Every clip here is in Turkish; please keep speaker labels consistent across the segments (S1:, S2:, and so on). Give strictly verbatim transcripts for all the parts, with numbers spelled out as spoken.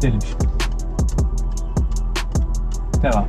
S1: Gidelim şimdi. Devam.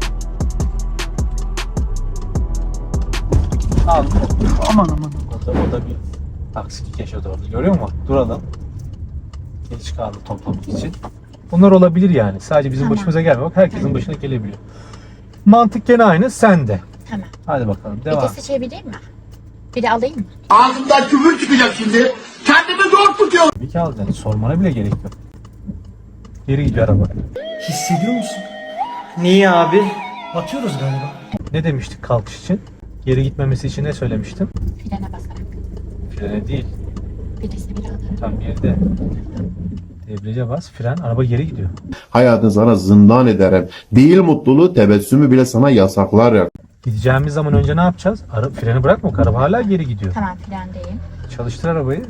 S1: Al. Aman aman. O da, o da bir aksilik yaşadı orada. Görüyor musun? Duralım. Geç kaldı toplamak için. Bunlar olabilir yani. Sadece bizim
S2: Tamam.
S1: başımıza gelmiyor. Bak herkesin
S2: Tamam.
S1: başına gelebiliyor. Mantık gene aynı. Sende.
S2: Tamam.
S1: Hadi bakalım.
S2: Bir
S1: Devam.
S2: de seçebileyim mi? Bir de alayım mı?
S3: Ağzımdan küfür çıkacak şimdi. Kendimi zor tutuyorum.
S1: Bir ki alacaksın. Sormana bile gerek yok. Geri gidiyor araba.
S4: Hissediyor musun? Niye abi? Batıyoruz galiba.
S1: Ne demiştik kalkış için? Geri gitmemesi için ne söylemiştim?
S2: Frene basarak.
S1: Frene değil.
S2: Birisi bir alır.
S1: Tam yerde. Debriyaja bas. Fren. Araba geri gidiyor.
S5: Hayatını sana zindan ederim. Değil mutluluğu, tebessümü bile sana yasaklar ya.
S1: Gideceğimiz zaman önce ne yapacağız? Ara, freni bırakma. Araba hala geri gidiyor.
S2: Tamam frendeyim.
S1: Çalıştır arabayı.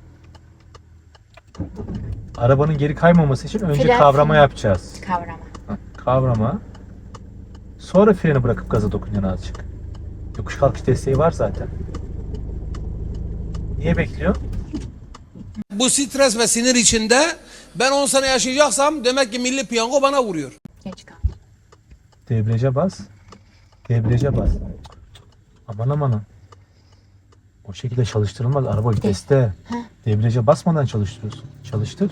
S1: Arabanın geri kaymaması için önce
S2: Fren,
S1: kavrama
S2: fren.
S1: yapacağız.
S2: Kavrama.
S1: Heh, kavrama. Sonra freni bırakıp gaza dokunacaksın azıcık. Yokuş kalkış desteği var zaten. Niye bekliyor?
S6: Bu stres ve sinir içinde ben on sene yaşayacaksam demek ki milli piyango bana vuruyor.
S2: Geç kaldım.
S1: Debriyaja bas. Debriyaja bas. Aman aman. O şekilde çalıştırılmaz. Araba viteste. Debriyaja basmadan çalıştırıyorsun. Çalıştır.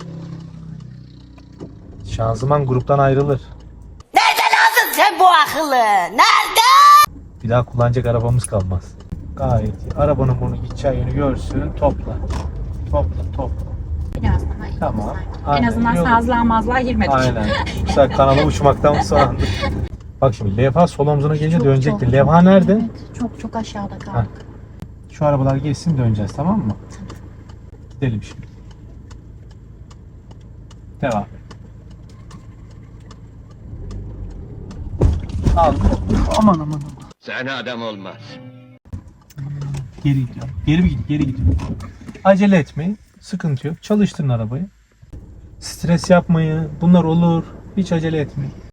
S1: Şanzıman gruptan ayrılır.
S7: Nereden aldın sen bu akıllı? Nerede?
S1: Bir daha kullanacak arabamız kalmaz. Gayet iyi. Arabanın bunu gideceği yönü görsün. Topla. Topla topla.
S2: Biraz daha iyi.
S1: Tamam.
S2: sanki.
S1: Aynen,
S2: En azından
S1: iyi oldu.
S2: sazlığa mazlığa girmedik.
S1: Aynen. Mesela kanala uçmaktan soğandık. Bak şimdi levha sol omzuna gelince
S2: Çok,
S1: dönecekti.
S2: çok,
S1: Levha
S2: çok,
S1: nerede?
S2: evet. Çok çok aşağıda kaldık.
S1: Şu arabalar geçsin döneceğiz, tamam mı? Gidelim şimdi. Devam. Al. Aman aman aman.
S3: Sana adam olmaz.
S1: Geri gidiyor. Geri mi gidiyor? Geri gidiyor. Acele etmeyin. Sıkıntı yok. Çalıştırın arabayı. Stres yapmayın. Bunlar olur. Hiç acele etmeyin.